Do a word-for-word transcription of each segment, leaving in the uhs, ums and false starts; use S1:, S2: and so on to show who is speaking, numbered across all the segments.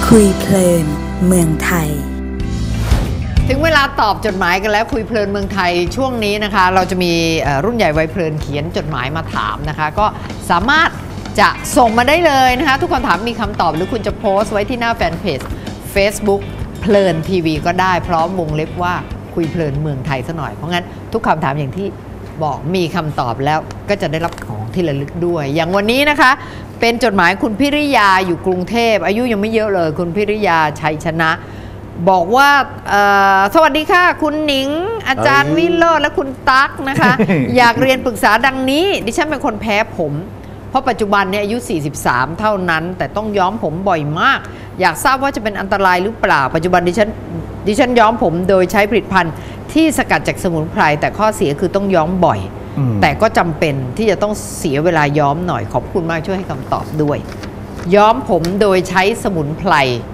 S1: คุยเพลินเมืองไทย
S2: ถึงเวลาตอบจดหมายกันแล้วคุยเพลินเมืองไทยช่วงนี้นะคะเราจะมีรุ่นใหญ่วัยเพลินเขียนจดหมายมาถามนะคะก็สามารถจะส่งมาได้เลยนะคะทุกคำถามมีคำตอบหรือคุณจะโพสต์ไว้ที่หน้าแฟนเพจ Facebook เพลินทีวีก็ได้พร้อมวงเล็บว่าคุยเพลินเมืองไทยซะหน่อยเพราะงั้นทุกคำถามอย่างที่บอกมีคำตอบแล้วก็จะได้รับของที่ระลึกด้วยอย่างวันนี้นะคะเป็นจดหมายคุณพิริยาอยู่กรุงเทพอายุยังไม่เยอะเลยคุณพิริยาชัยชนะบอกว่าสวัสดีค่ะคุณหนิงอาจารย์วิโรจน์และคุณตั๊กนะคะ อยากเรียนปรึกษาดังนี้ดิฉันเป็นคนแพ้ผมเพราะปัจจุบันเนี่ยอายุสี่สิบสามเท่านั้นแต่ต้องย้อมผมบ่อยมากอยากทราบว่าจะเป็นอันตรายหรือเปล่าปัจจุบันดิฉันดิฉันย้อมผมโดยใช้ผลิตภัณฑ์ที่สกัดจากสมุนไพรแต่ข้อเสียคือต้องย้อมบ่อยแต่ก็จำเป็นที่จะต้องเสียเวลาย้อมหน่อยขอบคุณมากช่วยให้คำตอบด้วยย้อมผมโดยใช้สมุนไพร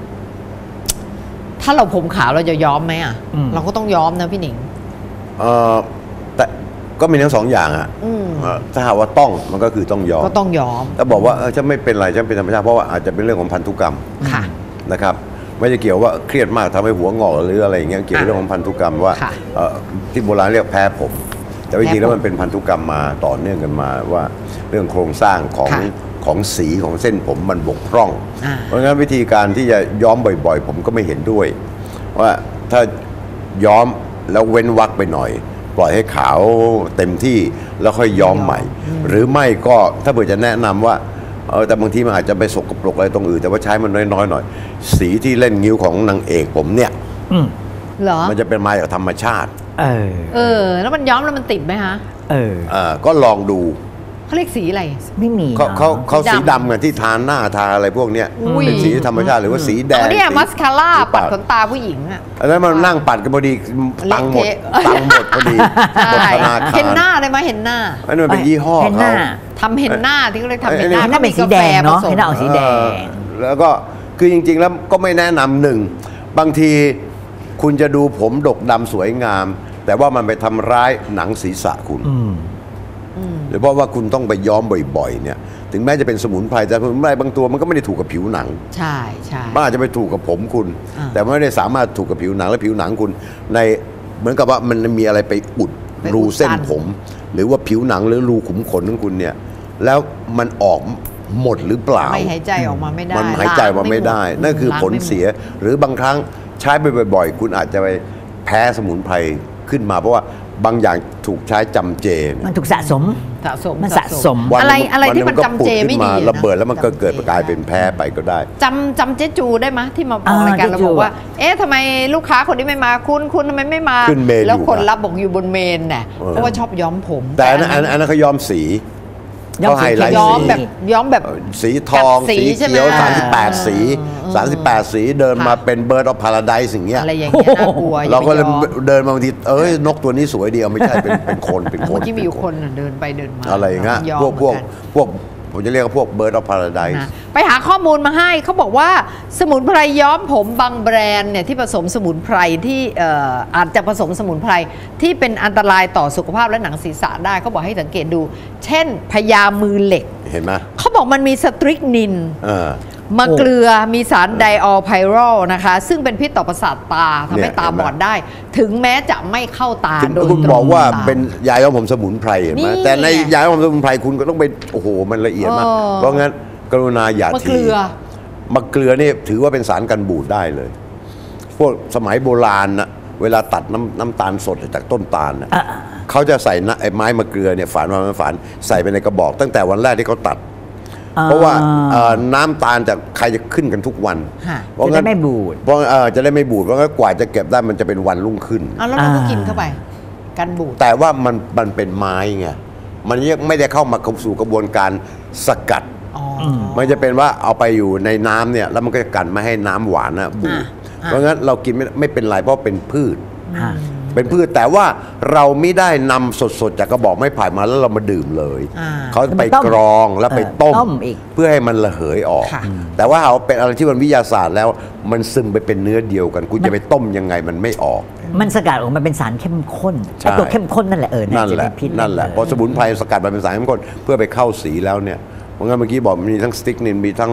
S2: ถ้าเราผมขาวเราจะย้อมไหมอ่ะเราก็ต้องย้อมนะพี่หนิง
S3: เออแต่ก็มีทั้งสองอย่างอ่ะถ้าหากว่าต้องมันก็คือต้องย้อม
S2: ก็ต้องย้อม
S3: ถ้าบอกว่าเออจะไม่เป็นไรจะเป็นธรรมชาติเพราะว่าอาจจะเป็นเรื่องของพันธุกรรมนะครับไม่ได้เกี่ยวว่าเครียดมากทำให้หัวงอกหรืออะไรอย่างเงี้ยเกี่ยวกับเรื่องของพันธุกรรมว่าที่โบราณเรียกแพ้ผมแต่จริงๆแล้วมันเป็นพันธุกรรมมาต่อเนื่องกันมาว่าเรื่องโครงสร้างของของสีของเส้นผมมันบกพร่องเพราะงั้นวิธีการที่จะย้อมบ่อยๆผมก็ไม่เห็นด้วยว่าถ้าย้อมแล้วเว้นวรรคไปหน่อยปล่อยให้ขาวเต็มที่แล้วค่อยย้อมใหม่หรือไม่ก็ถ้าเผื่อจะแนะนำว่าเออแต่บางทีมันอาจจะไปสกปรกอะไรตรงอื่นแต่ว่าใช้มันน้อยๆหน่อยสีที่เล่นงิ้วของนางเอกผมเนี่ยมันจะเป็นมาจากธรรมชาติ
S2: เออเออแล้วมันย้อมแล้วมันติดไหมฮะ
S3: เอออ่าก็ลองดู
S2: เขาเรียกสีอะไร
S1: ไม่มี
S3: เขาเขาเขาสีดำกันที่ทาหน้าทาอะไรพวกเนี้ยเป็นสีธรรมชาติหรือว่าสีแดง
S2: เนี่ยมัสคาร่าปัดขนตาผู้หญิงอ่ะ
S3: อันนั้นมันนั่งปัดกันพอดีตังหมดตังหมดพอดีหมดธนาคาร
S2: เห็นหน้าได้ไหมเห็นหน้า
S3: อันนั้นเป็นยี่ห้อเขา
S2: ทำเห็นหน้าที่เขาเรียกทำเห็นหน้า
S1: ถ้าเป็นสีแดงเนาะเห็นหน้าออกสีแดง
S3: แล้วก็คือจริงๆแล้วก็ไม่แนะนำหนึ่งบางทีคุณจะดูผมดกดำสวยงามแต่ว่ามันไปทำร้ายหนังศีรษะคุณหรือเพราะว่าคุณต้องไปย้อมบ่อยๆเนี่ยถึงแม้จะเป็นสมุนไพรแต่สมุนไพรบางตัวมันก็ไม่ได้ถูกกับผิวหนัง
S2: ใช่ใช่
S3: มันอาจจะไปถูกกับผมคุณแต่ไม่ได้สามารถถูกกับผิวหนังและผิวหนังคุณในเหมือนกับว่ามันมีอะไรไปอุดรูเส้นผมหรือว่าผิวหนังหรือรูขุมขนของคุณเนี่ยแล้วมันออกหมดหรือเปล่า
S2: ไม่หายใจออกมาไม่ได้
S3: มันหายใจออกมาไม่ได้นั่นคือผลเสียหรือบางครั้งใช้ไปบ่อยๆคุณอาจจะไปแพ้สมุนไพรขึ้นมาเพราะว่าบางอย่างถูกใช้จำเจ
S1: มันถูกสะสม
S2: สะสม
S1: มันสะสม
S2: อะไรอะไรที่มันจำเจไม่ดี
S3: ระเบิดแล้วมันก็เกิดกลายเป็นแพ้ไปก็ได้
S2: จำจำเจ๊จูได้ไหมที่มาบอกรายการเราบอกว่าเอ๊ะทำไมลูกค้าคนนี้ไม่มาคุณคุณทำไมไม่มาแล้วคนรับบอกอยู่บนเมนเนี่ยเพราะว่าชอบย้อมผม
S3: แต่อันนั้นอันนั้นเขาย้อมสี
S2: เขาไฮไลท์ย้อมแบบย้อมแบบ
S3: สีทองสีเขียวสามสิบแปดสีสามสิบแปดสีเดินมาเป็นเบิร์ดออฟพาราไดซ์สิ่งเงี้ย
S2: อะไรอย่างเงี้ยน่ากลัว
S3: เราก็เลยเดินมาบางทีเอ้ยนกตัวนี้สวยดีเอาไม่ใช่เป็นเป็นคนเป็นคน
S2: ที่มีอยู่คนเดินไปเดินมา
S3: อะไรอย่างเงี้ยพวกพวกพวกผมจะเรียกว่าพวกเบิร์ดออฟพาราไดซ์
S2: ไปหาข้อมูลมาให้เขาบอกว่าสมุนไพรย้อมผมบางแบรนด์เนี่ยที่ผสมสมุนไพรที่อาจจะผสมสมุนไพรที่เป็นอันตรายต่อสุขภาพและหนังศีรษะได้เขาบอกให้สังเกตดูเช่นพญามือเหล็ก
S3: เห็นไหม
S2: เขาบอกมันมีสตริกนินมะเกลือมีสารไดออลไพโรลนะคะซึ่งเป็นพิษต่อประสาทตาทำให้ตาบอดได้ถึงแม้จะไม่เข้าตาโดยตรง
S3: คุณบอกว่าเป็นยาย้อมผมสมุนไพรเห็นไหมแต่ในยาย้อมผมสมุนไพรคุณก็ต้องไปโอ้โหมันละเอียดมากเพราะงั้นกรุณาอย่าทีมะเกลือนี่ถือว่าเป็นสารกันบูดได้เลยพวกสมัยโบราณนะเวลาตัดน้ำน้ำตาลสดจากต้นตาลนะเขาจะใส่ไอ้ไม้มะเกลือเนี่ยฝานมาฝานใส่ไปในกระบอกตั้งแต่วันแรกที่เขาตัดเพราะว่าน้ำตาลจากใครจะขึ้นกันทุกวัน
S1: เพราะงั้นไม่บูด
S3: เพราะจะได้ไม่บูดเพราะงั้นกว่าจะเก็บได้มันจะเป็นวันรุ่งขึ้น
S2: แล้วเราก็กินเข้าไปกันบูด
S3: แต่ว่ามันมันเป็นไม้ไงมันยังไม่ได้เข้ามาสู่กระบวนการสกัดมันจะเป็นว่าเอาไปอยู่ในน้ำเนี่ยแล้วมันก็จะกันไม่ให้น้ำหวานนะบูดเพราะงั้นเรากินไม่ไม่เป็นไรเพราะเป็นพืชเป็นพืชแต่ว่าเราไม่ได้นำสดๆจากกระบอกไม้ไผ่มาแล้วเรามาดื่มเลยเขาไปกรองแล้วไปต้มเพื่อให้มันระเหยออกแต่ว่าเอาเป็นอะไรที่มันวิทยาศาสตร์แล้วมันซึมไปเป็นเนื้อเดียวกันคุณจะไปต้มยังไงมันไม่ออก
S1: มันสกัดออกมาเป็นสารเข้มข้นไอ้ตัวเข้มข้นนั่นแหละเออ
S3: นั่นแหละนั่นแหละพอสมุนไพรสกัดมาเป็นสารเข้มข้นเพื่อไปเข้าสีแล้วเนี่ยเพราะงั้นเมื่อกี้บอกมีทั้งสติ๊กนินมีทั้ง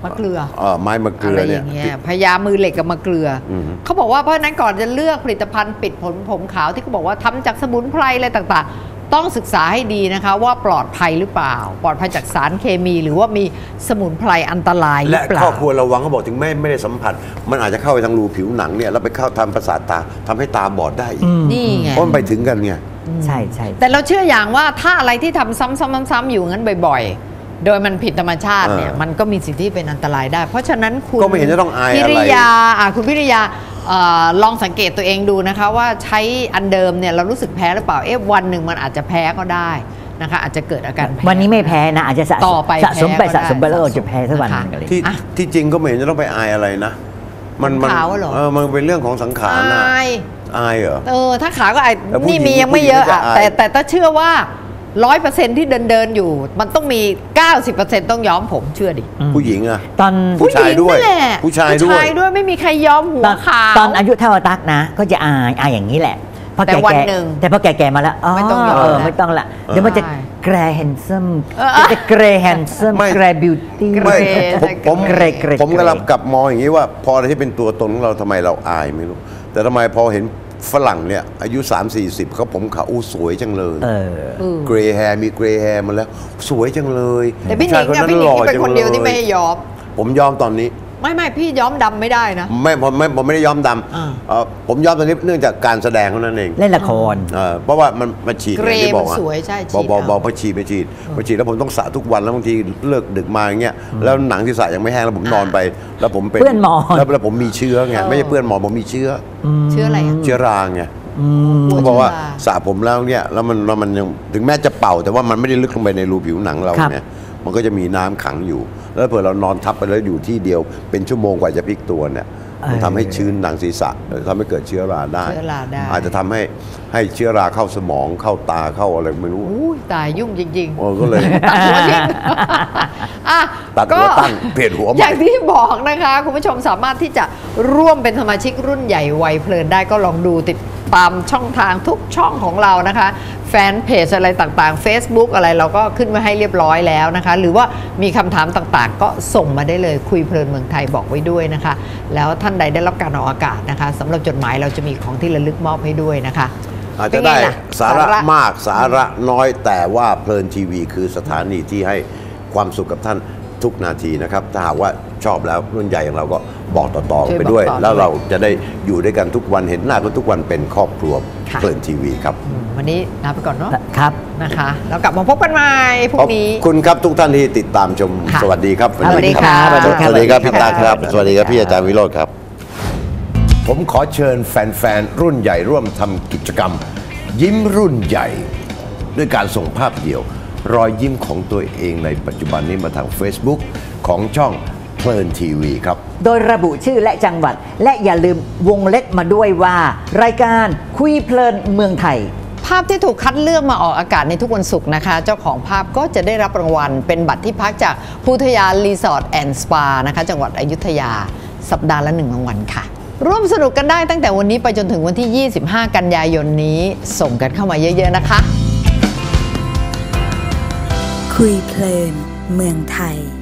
S2: มะเกลือ
S3: เอ่อไม้มะเกลื
S2: อะไร
S3: อ
S2: อ
S3: เนี่ย
S2: ย่างเงี้ยพญามือเหล็กกับมะเกลืออ
S3: ม
S2: เขาบอกว่าเพราะฉะนั้นก่อนจะเลือกผลิตภัณฑ์ปิดผลผมขาวที่เขาบอกว่าทำจากสมุนไพรอะไรต่างๆ ต้องศึกษาให้ดีนะคะว่าปลอดภัยหรือเปล่า ปลอดภัยจากสารเคมี หรือว่ามีสมุนไพรอันตรายหรื
S3: และ
S2: อเปล่า
S3: ข้อควรระวังเขาบอกถึงไม่ไม่ได้สัมผัส มันอาจจะเข้าไปทางรูผิวหนังเนี่ยแล้วไปเข้าทำประสาทตาทำให้ตาบอดได้อีก
S2: นี่ไง
S3: เพราะมันไปถึงกันไง
S1: ใช่ใช่
S2: แต่เราเชื่ออย่างว่าถ้าอะไรที่ทำซ้ำๆๆๆอยู่งั้นบ่อยๆ โดยมันผิดธรรมชาติเนี่ย
S3: เออ
S2: มันก็มีสิทธิเป็นอันตรายได้ เพราะฉะนั้นคุณ
S3: ก็ไม่เห็นจะต้องอายอะไร
S2: พิริยาอ่ะคุณพิริยาเอ่อลองสังเกตตัวเองดูนะคะว่าใช้อันเดิมเนี่ยเรารู้สึกแพ้หรือเปล่าเอ๊ะวันหนึ่งมันอาจจะแพ้ก็ได้นะคะอาจจะเกิดอาการแพ้
S1: วันนี้ไม่แพ้นะ อาจจะสะ
S2: ต่อไป
S1: สะสมไป
S2: แพ้ก็
S1: สะสมไป
S2: ได้
S1: แล้วเราจะแพ้สักวันห
S2: นะคะ
S1: นึ่งอะไรอย่าง
S3: ที่
S1: เงี้ย
S2: อ่ะ
S3: ที่จริงก็ไม่เห็นจะต้องไปอายอะไรนะ มันมัน
S2: ขาวเหรอ
S3: เออมันเป็นเรื่องของสังขารนะ
S2: อาย
S3: อายเหรอ
S2: เออถ้าขาก็ไอ้
S3: แล้วผู้หญิ
S2: นี่
S3: ง
S2: มียังไม่เยอะ
S3: ผู้หญิง
S2: อะ
S3: ก็จะอาย
S2: แต่แต่ถ้าเชื่อว่าร้อยเปอร์เซ็นที่เดินเดินๆอยู่ มันต้องมี เก้าสิบเปอร์เซ็นต์ต้องย้อมผมเชื่อดิ
S3: ผู้หญิงอะ
S1: ตอน
S3: ผู้ชายด้วย
S2: ผู้หญิงนั่นแหละ
S3: ผู้ชายด้วย
S2: ผู้ชายด้วยไม่มีใครย้อมหัว
S1: ตอน
S2: ขาว
S1: ตอนอายุเท่าตักนะ ก็จะอายอายอย่างนี้แหละพอ
S2: แต่
S1: แก่
S2: วัน
S1: แก่
S2: หนึ่ง
S1: แต่พอแก่ๆมาแล้ว
S2: ไม่ต้องยอม
S1: เออ
S2: แล้ว
S1: ไม่ต้องละเดี๋ยวมันจะ
S2: ใช่
S1: แกรแฮนซัม
S2: เออ
S1: จะแกรแฮนซัม
S3: ไม่
S1: แกรบิวตี้
S2: เกร
S3: ไม่
S2: ย์
S3: ผมผม
S1: เกรย์เกรย์
S3: ผมกำลังกลับมองอย่างนี้ว่า พออะไรที่เป็นตัวตนของเราทำไมเราอายไม่รู้ แต่ทำไมพอเห็นฝรั่งเนี่ยอายุ สามสี่สิบเขาผมขาวอู้สวยจังเลย
S1: เออ
S2: เออ
S3: เกรย์แฮร์มีเกรย์แฮร์มาแล้ว สวยจังเลย
S2: แต่พี่หนิง
S3: ผู้ชาย
S2: อะพี่หนิงที่เป็น
S3: จั
S2: คนเดียวที่ไม่ให้ย้อม
S3: ผมยอมตอนนี้
S2: ไม่ไม่พี่ย้อมดำไม่ได้นะ
S3: ไม่ผมไม่ผมไม่ได้ย้อมด
S2: อ่า
S3: ำเอ่อผมย้อมตอนนี้เนื่องจากการแสดงเท่านั้นเอง
S1: เล่นละคร
S3: เอ่อเพราะว่ามันมันฉีด
S2: เกรย์
S3: อย่างที่บอก
S2: มัน
S3: อะ
S2: สวยใช่ฉี
S3: บอ
S2: ด
S3: กบอก
S2: เอา
S3: บอกพอฉีดไปฉีดพอฉีดแล้วผมต้องสระทุกวันแล้วบางทีเลิกดึกมาอย่างเงี้ยแล้วหนังที่สระยังไม่แห้งแล้วผมนอนไป แล้วผมเป็น
S1: เปื้อนหมอน
S3: แล้วแล้วผมมีเชื้อไงไม่ใช่เปื้อนหมอนผมมีเชื้อ
S2: เชื่ออะไรอะ
S3: เชื้อราไง
S2: กลัว
S3: เขาบอกว่า
S2: เชื้อรา
S3: สระผมแล้วเนี่ยแล้วมันแล้วมันยังถึงแม้จะเป่า แต่ว่ามันไม่ได้ลึกลงไปในรูผิวหนังเรา
S1: ครับ
S3: เนี่ยมันก็จะมีน้ำขังอยู่ แล้วเผื่อเรานอนทับไปแล้วอยู่ที่เดียวเป็นชั่วโมงกว่าจะพลิกตัวเนี่ยมันทำให้ชื้นหนังศีรษะทำให้เกิดเชื้อราได้
S2: เชื้อราได้
S3: อาจจะทำให้ให้เชื้อราเข้าสมองเข้าตาเข้าอะไรไม่รู้
S2: อุ้ยตายยุ่งจริง
S3: โอ้ก็เลย
S2: ๆตัดหัวทิ้งอ่ะ
S3: ตัดหัวตั้งเปลี่ยนหัวใหม่
S2: อย่างที่บอกนะคะ คุณผู้ชมสามารถที่จะร่วมเป็นสมาชิกรุ่นใหญ่วัยเพลินได้ก็ลองดูติดตามช่องทางทุกช่องของเรานะคะ แฟนเพจอะไรต่างๆ Facebook อะไรเราก็ขึ้นไว้ให้เรียบร้อยแล้วนะคะ หรือว่ามีคำถามต่างๆ ก็ส่งมาได้เลยคุยเพลินเมืองไทยบอกไว้ด้วยนะคะ แล้วท่านใดได้รับการออกอากาศนะคะสำหรับจดหมายเราจะมีของที่ระลึกมอบให้ด้วยนะคะ
S3: อาจจะได้
S2: เป็นไงล่ะ
S3: สาระมากสาระน้อยแต่ว่าเพลินทีวีคือสถานีที่ให้ความสุขกับท่านทุกนาทีนะครับถ้าหากว่าชอบแล้วรุ่นใหญ่อย่างเราก็บอกต่อๆกันไปด้วย แล้วเราจะได้อยู่ด้วยกันทุกวันเห็นหน้ากันทุกวันเป็นครอบครัวเพลินทีวีครับ
S2: วันนี้ลาไปก่อนเนาะ
S1: ครับ
S2: นะคะแล้วกลับมาพบกันใหม่พรุ่
S3: ขอบ
S2: งนี้
S3: คุณครับทุกท่านที่ติดตามชม
S2: ค่ะ
S3: สวัสดีครับ
S2: สวัสดีครับ
S3: สวัสดีครับสวัสดีครับพี่ตาครับ
S1: ส
S3: ส
S1: วั
S3: วั
S1: ส
S3: ส
S1: ดี
S3: ดี
S1: ค
S3: ค
S1: รั
S3: รับ บพี่อาจารย์วิโรธครับ ผมขอเชิญแฟนๆรุ่นใหญ่ร่วมทำกิจกรรม ยิ้มรุ่นใหญ่ ด้วยการส่งภาพเดี่ยว รอยยิ้มของตัวเองในปัจจุบันนี้มาทาง Facebook ของช่องเพลินทีวีครับ
S1: โดยระบุชื่อและจังหวัด และอย่าลืมวงเล็บมาด้วยว่า รายการคุยเพลินเมืองไทย
S2: ภาพที่ถูกคัดเลือกมาออกอากาศในทุกวันศุกร์นะคะ เจ้าของภาพก็จะได้รับรางวัล เป็นบัตรที่พักจากพุทยารีสอร์ทแอนด์สปานะคะจังหวัดอยุธยา สัปดาห์ละหนึ่งรางวัลค่ะ ร่วมสนุกกันได้ตั้งแต่วันนี้ไปจนถึงวันที่ ยี่สิบห้า กันยายนนี้ ส่งกันเข้ามาเยอะๆนะคะ
S4: คุยเพลินเมืองไทย